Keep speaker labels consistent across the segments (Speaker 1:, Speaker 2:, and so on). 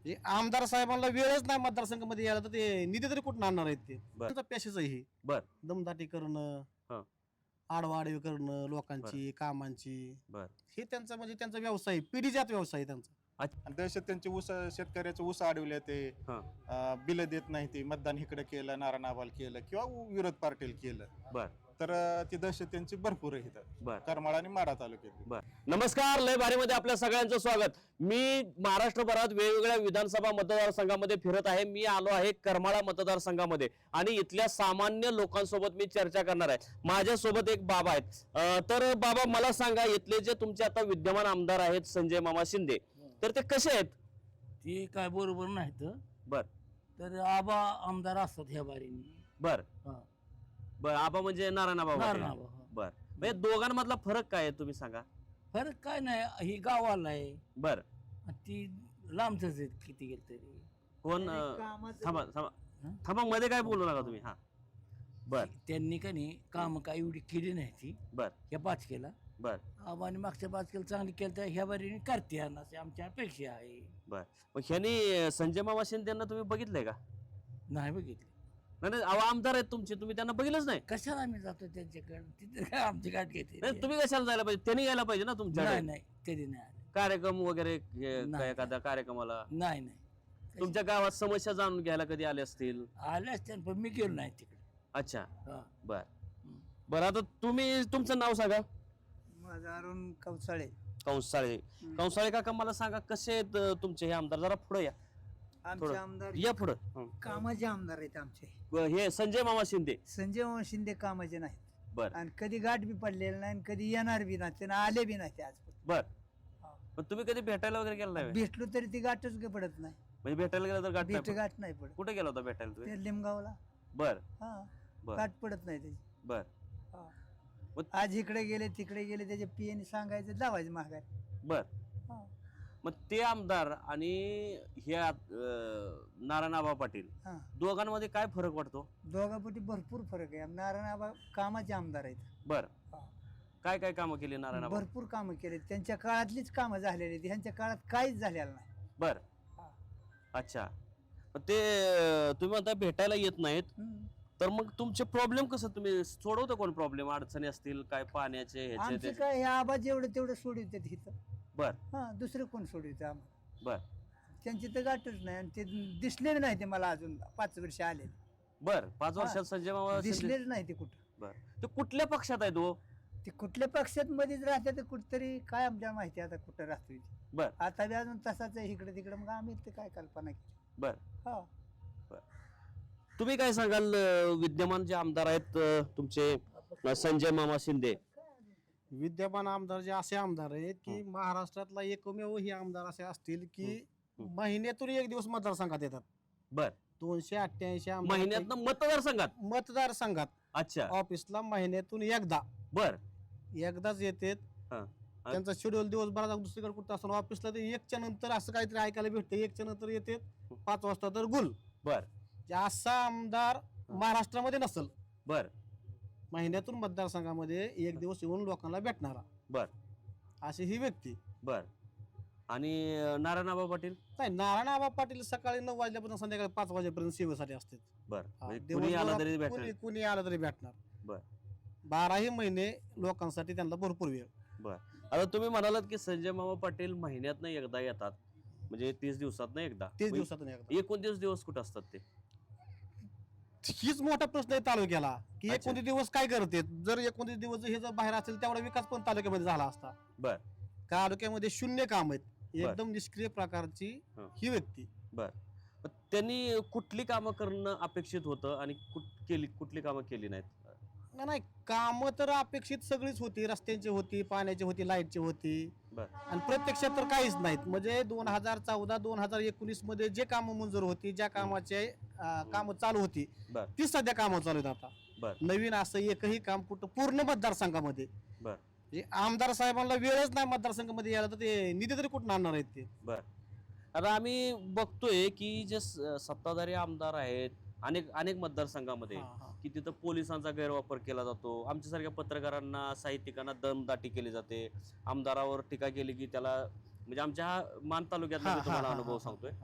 Speaker 1: आमदार साहेबांना वेळच नाही मतदारसंघामध्ये यायला तर ते निधी तरी कुठून आणणार आहेत ते
Speaker 2: बर.
Speaker 1: त्यांचा पॅशेज आहे हे
Speaker 2: बर
Speaker 1: दमदाटी करणं
Speaker 2: हा
Speaker 1: आडवाडवी करणं लोकांची कामांची
Speaker 2: बर
Speaker 1: हे त्यांचा म्हणजे त्यांचा व्यवसाय पिढीजात व्यवसाय आहे त्यांचा
Speaker 2: अच्छा
Speaker 3: आणि दहशत त्यांचे ऊस शेतकऱ्याचे ऊस अडवले ते
Speaker 2: हा
Speaker 3: बिल देत नाही ते मतदान इकडे केलं नारायण आबाल केलं किंवा विरोध पार्टील केलं
Speaker 2: बर
Speaker 3: तर ती दहशत त्यांची भरपूर आहे इथं
Speaker 2: बर
Speaker 3: करमाळा आणि माढा तालुक्यात.
Speaker 2: बर नमस्कार लय भारीमध्ये आपल्या सगळ्यांचं स्वागत. मी महाराष्ट्रभरात वेगवेगळ्या विधानसभा मतदारसंघामध्ये फिरत आहे. मी आलो आहे करमाळा मतदारसंघामध्ये आणि इथल्या सामान्य लोकांसोबत मी चर्चा करणार आहे. माझ्यासोबत एक बाबा आहेत. तर बाबा मला सांगा, इथले जे तुमचे आता विद्यमान आमदार आहेत संजय मामा शिंदे, तर ते कसे आहेत?
Speaker 4: ते काय बरोबर नाहीत.
Speaker 2: बर
Speaker 4: तर आबा आमदार असतात ह्या बारीने.
Speaker 2: बर बर आबा म्हणजे नारायण आबा
Speaker 4: नारायण
Speaker 2: पाटील.
Speaker 4: आबा, हा.
Speaker 2: बर म्हणजे दोघांमधला फरक काय आहे तुम्ही सांगा.
Speaker 4: फरक काय नाही, ही गावाला आहे
Speaker 2: बर
Speaker 4: आणि ती लांबच आहेत किती गेलं तरी.
Speaker 2: कोण थांबा थांबा थांबा मध्ये काय बोलू नका तुम्ही. हा बर
Speaker 4: त्यांनी का नाही काम काय एवढी केली नाही ती
Speaker 2: बर
Speaker 4: ह्या पाचकेला.
Speaker 2: बर
Speaker 4: आबाने मागच्या पाचकेला चांगली केलं तर ह्या बारीने करते अशी आमची अपेक्षा आहे.
Speaker 2: बर मग ह्यांनी संजय मामा शिंदेना तुम्ही बघितलंय का?
Speaker 4: नाही बघितली.
Speaker 2: नाही नाही, अहो आमदार आहेत तुमचे, तुम्ही त्यांना बघितलंच नाही.
Speaker 4: कशाला आम्ही जातो त्यांच्याकडे, तिथे काय आमची गाठ घेते.
Speaker 2: नाही, तुम्ही कशाला जायला पाहिजे? त्यांनी यायला पाहिजे ना तुमच्या
Speaker 4: नाही नाही कधी नाही आले.
Speaker 2: कार्यक्रम वगैरे
Speaker 4: नाही.
Speaker 2: एखाद्या कार्यक्रमाला
Speaker 4: नाही नाही
Speaker 2: तुमच्या गावात समस्या जाणून घ्यायला कधी आले असतील.
Speaker 4: आले असते पण मी गेलो नाही तिकडे.
Speaker 2: अच्छा
Speaker 4: हा.
Speaker 2: बर बर आता तुम्ही तुमचं नाव सांगा.
Speaker 5: माझा अरुण कवसाळे.
Speaker 2: कंसाळे. कंसाळे काका मला सांगा, कसे आहेत तुमचे हे आमदार? जरा पुढे या
Speaker 5: आमचे
Speaker 2: थोडं.
Speaker 5: आमदार
Speaker 2: या पुढं.
Speaker 5: कामाचे आमदार आहेत आमचे.
Speaker 2: हे संजय मामा शिंदे.
Speaker 5: संजय मामा शिंदे कामाचे नाहीत
Speaker 2: बर
Speaker 5: आणि कधी गाठ बी पडलेलं नाही आणि कधी येणार बी नाही, त्यांना आले बी नाही ते आजपर्यंत.
Speaker 2: बर पण तुम्ही कधी भेटायला वगैरे गेला नाही?
Speaker 5: भेटलो तरी ती गाठच काही पडत नाही.
Speaker 2: म्हणजे भेटायला गेला तर गाठ
Speaker 5: भेट
Speaker 2: नाही?
Speaker 5: गाठ नाही पडत.
Speaker 2: कुठे गेला होता भेटायला तुम्ही?
Speaker 5: ते लिमगावला
Speaker 2: बर
Speaker 5: हा
Speaker 2: बर
Speaker 5: गाठ पडत नाही त्याची.
Speaker 2: बर
Speaker 5: हा.
Speaker 2: मग-
Speaker 5: आज इकडे गेले तिकडे गेले त्याच्या पियाने सांगायचं लावायचं महागात.
Speaker 2: बर मग ते आमदार आणि ह्या नारायण आबा पाटील
Speaker 5: हा
Speaker 2: दोघांमध्ये काय फरक वाटतो?
Speaker 5: दोघांपैकी भरपूर फरक आहे. नारायण आबा कामाचे आमदार आहेत.
Speaker 2: बर
Speaker 5: हा.
Speaker 2: काय काय कामं केली नारायण आबा?
Speaker 5: भरपूर कामं केले, त्यांच्या काळातलीच कामं झालेली आहेत. ह्यांच्या काळात काहीच झालेलं नाही.
Speaker 2: बर
Speaker 5: हा.
Speaker 2: अच्छा मग ते तुम्ही म्हणता भेटायला येत नाहीत,
Speaker 5: हम्म.
Speaker 2: तर मग तुमचे प्रॉब्लेम कसं तुम्ही सोडवता? कोण प्रॉब्लेम अडचणी असतील काय पाण्याचे ह्याचे
Speaker 5: आमचं
Speaker 2: ते?
Speaker 5: काय हे आबा जेवढं तेवढं सोडवतात इथं.
Speaker 2: बर
Speaker 5: हा दुसरं कोण सोडवतं आम्हाला?
Speaker 2: बर
Speaker 5: त्यांची तर गाठच नाही आणि ते दिसलेले नाही ते मला अजून 5 वर्ष आले
Speaker 2: बर 5 वर्षात संजय मामा शिंदे-
Speaker 5: दिसलेच नाही ते कुठं.
Speaker 2: बर ते कुठल्या पक्षात आहे तो?
Speaker 5: ते कुठल्या पक्षात मध्येच राहते तर कुठतरी काय आमच्या माहिती आता कुठं राहतोय ते.
Speaker 2: बर
Speaker 5: आता बी अजून तसाच आहे इकडे तिकडे. मग आम्ही ते काय कल्पना केली.
Speaker 2: बर
Speaker 5: हा
Speaker 2: बर तुम्ही काय सांगाल? विद्यमान जे आमदार आहेत तुमचे संजय मामा शिंदे,
Speaker 1: विद्यमान आमदार जे असे आमदार आहेत की महाराष्ट्रातला एकमेव हे आमदार असे असतील की महिन्यातून एक दिवस मतदारसंघात येतात.
Speaker 2: बर
Speaker 1: 288 आमदार
Speaker 2: महिन्यातनं मतदारसंघात?
Speaker 1: मतदारसंघात
Speaker 2: अच्छा
Speaker 1: ऑफिसला महिन्यातून एकदाच
Speaker 2: बर
Speaker 1: येतात.
Speaker 2: हा
Speaker 1: त्यांचा शेड्यूल दिवसभराचा दुसरीकडे कुठं असताना ऑफिसला ते 1च्या नंतर असं काहीतरी ऐकायला भेटतं. 1च्या नंतर येते 5 वाजता तर गुल.
Speaker 2: बर
Speaker 1: जे असा आमदार महाराष्ट्रामध्ये नसल.
Speaker 2: बर
Speaker 1: महिन्यातून मतदारसंघामध्ये एक दिवस येऊन लोकांना भेटणारा
Speaker 2: बर
Speaker 1: अशी ही व्यक्ती.
Speaker 2: बर आणि नारायण आबा पाटील?
Speaker 1: नाही, नारायण आबा पाटील सकाळी 9 वाजल्यापासून संध्याकाळी 5 वाजेपर्यंत सेवेसाठी असतात.
Speaker 2: बर
Speaker 1: हा,
Speaker 2: म्हणजे कुणी आला तरी
Speaker 1: दिवसभरात
Speaker 2: भेटेल?
Speaker 1: कुणी आलं तरी भेटणार.
Speaker 2: बर
Speaker 1: 12ही महिने लोकांसाठी त्यांना भरपूर वेळ.
Speaker 2: बर आता तुम्ही म्हणालात की संजय मामा पाटील महिन्यातनं एकदा येतात, म्हणजे 30 दिवसातनं एकदा.
Speaker 1: 30 दिवसातून एकदा.
Speaker 2: 29 दिवस कुठं असतात ते?
Speaker 1: हीच मोठा प्रश्न आहे तालुक्याला की
Speaker 2: अच्छा.
Speaker 1: 29 दिवस काय करते. जर 29 दिवस हे जर बाहेर असेल तेवढा विकास पण तालुक्यामध्ये झाला असता.
Speaker 2: बर
Speaker 1: तालुक्यामध्ये शून्य काम आहेत. एकदम निष्क्रिय प्रकारची
Speaker 2: हं.
Speaker 1: ही व्यक्ती.
Speaker 2: बर मग त्यांनी कुठली कामं करणं अपेक्षित होतं आणि कुठली कामं केली नाहीत?
Speaker 1: नाही, कामं तर अपेक्षित सगळीच होती. रस्त्यांची होती, पाण्याची होती, लाईटची होती
Speaker 2: बर
Speaker 1: आणि प्रत्यक्षात तर काहीच नाहीत. म्हणजे 2014-2019 मध्ये जे कामं मंजूर होती, ज्या कामाचे कामं चालू होती
Speaker 2: बर
Speaker 1: ती सध्या कामं चालू आहेत. आता
Speaker 2: बर
Speaker 1: नवीन असं एकही काम कुठं पूर्ण मतदारसंघामध्ये
Speaker 2: बर
Speaker 1: म्हणजे आमदार साहेबांना वेळच नाही मतदारसंघामध्ये यायला तर ते निधी तरी कुठून आणणार आहेत ते.
Speaker 2: बर आता आम्ही बघतोय की जे सत्ताधारी आमदार आहेत अनेक मतदारसंघामध्ये
Speaker 1: हा, हा.
Speaker 2: की तिथं पोलिसांचा गैरवापर केला जातो. आमच्यासारख्या पत्रकारांना, साहित्यिकांना दमदाटी केली जाते. आमदारावर टीका केली की त्याला, म्हणजे आमच्या मान तालुक्यातला
Speaker 1: हा,
Speaker 2: मी तुम्हाला
Speaker 1: हा,
Speaker 2: अनुभव
Speaker 1: हा,
Speaker 2: सांगतोय.
Speaker 1: हा.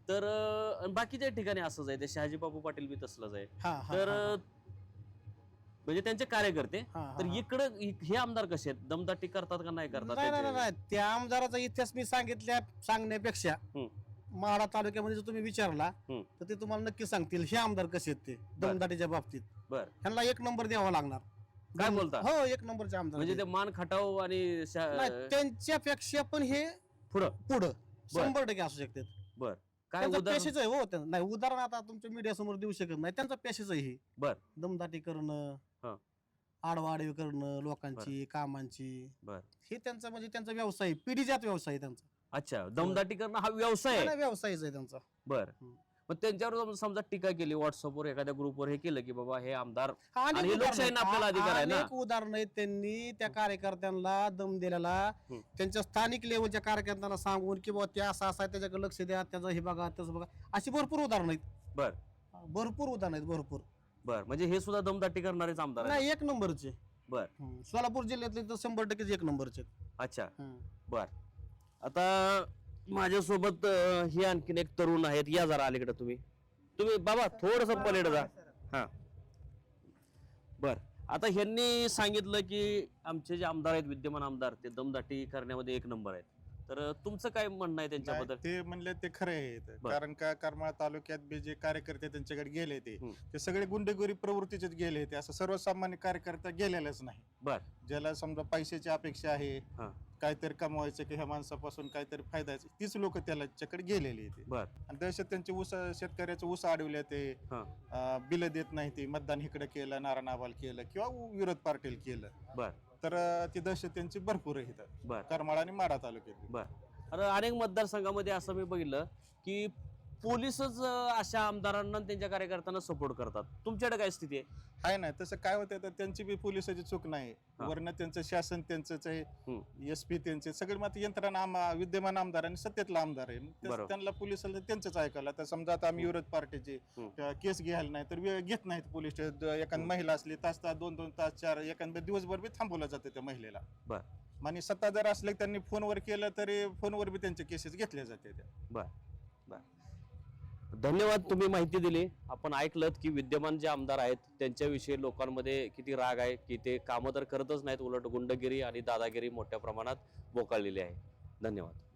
Speaker 2: तर बाकीच्या ठिकाणी असंच आहे, ते शहाजी बापू पाटील बी तसलंच आहे.
Speaker 1: हा हा
Speaker 2: तर
Speaker 1: हा,
Speaker 2: म्हणजे त्यांचे कार्यकर्ते.
Speaker 1: हा, हा,
Speaker 2: तर
Speaker 1: हा.
Speaker 2: इकडं हे आमदार कसे आहेत, दमदाटी करतात का नाही करतात
Speaker 1: नाही नाही
Speaker 2: त्यांचे?
Speaker 1: नाही, त्या आमदाराचा इतिहास मी सांगण्यापेक्षा माढा तालुक्यामध्ये जर तुम्ही विचारला
Speaker 2: हम्म.
Speaker 1: तर ते तुम्हाला नक्की सांगतील हे आमदार कसे आहेत ते दमदाटीच्या बाबतीत.
Speaker 2: बर.
Speaker 1: ह्यांना 1 नंबर द्यावा लागणार.
Speaker 2: काय बोलता?
Speaker 1: हो 1 नंबरचे आमदार
Speaker 2: म्हणजे ते
Speaker 1: आहेत.
Speaker 2: मान खटाव आणि
Speaker 1: नाही, त्यांच्यापेक्षा पण हे
Speaker 2: पुढं
Speaker 1: पुढं 100% असू शकते.
Speaker 2: बर. काय
Speaker 1: त्यांचा
Speaker 2: उदाहरण?
Speaker 1: पेशेच आहे हो त्यांचं. नाही उदाहरण आता तुमच्या मीडिया समोर देऊ शकत नाही, त्यांचा पेशेच आहे हे.
Speaker 2: बर.
Speaker 1: दमदाटी करणं,
Speaker 2: हा.
Speaker 1: आडवाडवी करणं लोकांची कामांची,
Speaker 2: बर.
Speaker 1: हे त्यांचा म्हणजे त्यांचा व्यवसाय आहे. पिढीजात व्यवसाय आहे त्यांचा.
Speaker 2: अच्छा, दमदाटी करणं हा व्यवसाय आहे.
Speaker 1: नाही, व्यवसायच आहे त्यांचा.
Speaker 2: बर.
Speaker 1: हम्म.
Speaker 2: मग त्यांच्यावर समजा टीका केली व्हॉट्सअपवर एखाद्या ग्रुपवर हे केलं की बाबा हे आमदार
Speaker 1: अनेक
Speaker 2: आणि हे
Speaker 1: उदाहरणं
Speaker 2: लोकशाहीनं
Speaker 1: आहेत.
Speaker 2: आपल्याला अधिकार आहे ना.
Speaker 1: अनेक उदाहरणं आहेत. त्यांनी त्या कार्यकर्त्यांना दम दिलेला,
Speaker 2: हम्म.
Speaker 1: त्यांच्या स्थानिक लेवलच्या कार्यकर्त्यांना सांगून की बाबा ते असं आहे त्याच्याकडे लक्ष द्या, त्याचं हे बघा त्याचं बघा, अशी भरपूर उदाहरणं आहेत.
Speaker 2: बर.
Speaker 1: भरपूर उदाहरणं आहेत भरपूर.
Speaker 2: बर. म्हणजे हे सुद्धा दमदाटी करणारेच आमदार आहेत.
Speaker 1: नाही 1 नंबरचे.
Speaker 2: बर.
Speaker 1: सोलापूर जिल्ह्यातले तर 100% 1 नंबरचे आहेत.
Speaker 2: अच्छा.
Speaker 1: हम्म.
Speaker 2: बर. आता माझ्यासोबत हे आणखीन एक तरुण आहेत. या जरा अलीकडे तुम्ही बाबा थोडस पलीकडे जा. हा. बर. आता ह्यांनी सांगितलं की आमचे जे आमदार आहेत, विद्यमान आमदार, ते दमदाटी करण्यामध्ये 1 नंबर आहेत. तर तुमचं काय म्हणणं आहे त्यांच्याबद्दल?
Speaker 3: नाही, ते म्हणले ते खरे आहे.
Speaker 2: बर.
Speaker 3: कारण का करमाळा तालुक्यात बी जे कार्यकर्ते त्यांच्याकडे गेले
Speaker 2: हम्म.
Speaker 3: ते सगळे गुंडेगोरी प्रवृत्तीचेच गेले. ते असं सर्वसामान्य कार्यकर्ता गेलेलाच नाही.
Speaker 2: बर.
Speaker 3: ज्याला समजा पैशाची अपेक्षा आहे,
Speaker 2: हा.
Speaker 3: काहीतरी कमवायचं की ह्या माणसापासून काहीतरी फायदा आहे, तीच लोक त्याच्याकडे गेलेली ते.
Speaker 2: बर.
Speaker 3: आणि दहशत त्यांचे ऊस, शेतकऱ्याचे ऊस अडवले, ते
Speaker 2: हा.
Speaker 3: बिल देत नाही, ते मतदान इकडे केलं, नारायण आबाल केलं किंवा विरोध पार्टील केलं.
Speaker 2: बर.
Speaker 3: तर ती दहशत त्यांची भरपूर आहे इथं
Speaker 2: बर.
Speaker 3: करमाळा आणि माढा तालुक्यात.
Speaker 2: बर. अरे अनेक मतदारसंघामध्ये असं मी बघितलं की पोलीसच अशा आमदारांना आणि त्यांच्या कार्यकर्त्यांना सपोर्ट करतात. तुमच्याकडे काय स्थिती आहे?
Speaker 3: आहे ना, तसं काय होतं तर त्यांची बी पोलिसाची चूक नाही.
Speaker 2: हा.
Speaker 3: वरनं त्यांचं शासन त्यांचंच आहे,
Speaker 2: हम्म.
Speaker 3: SP त्यांचे सगळे मात्र यंत्रणा विद्यमान आमदार आणि सत्तेतला आमदार आहे. मग
Speaker 2: बरोबर.
Speaker 3: त्यांना पोलिसाला त्यांचंच ऐकायला. तर समजा आता आम्ही विरोध पार्टीचे केस घ्यायला नाही तर वेळ घेत नाहीत पोलीस. एखादी महिला असली तास 2-2 तास 4 एखाद्या दिवसभर बी थांबवलं जातं त्या महिलेला.
Speaker 2: बर.
Speaker 3: आणि सत्ता जर असले त्यांनी फोनवर केलं तरी फोनवर बी त्यांचे केसेस घेतल्या जाते त्या.
Speaker 2: बर. बर. धन्यवाद, तुम्ही माहिती दिली. आपण ऐकलं की विद्यमान जे आमदार आहेत त्यांच्याविषयी लोकांमध्ये किती राग आहे, की ते कामं तर करतच नाहीत, उलट गुंडगिरी आणि दादागिरी मोठ्या प्रमाणात बोकाळलेली आहे. धन्यवाद.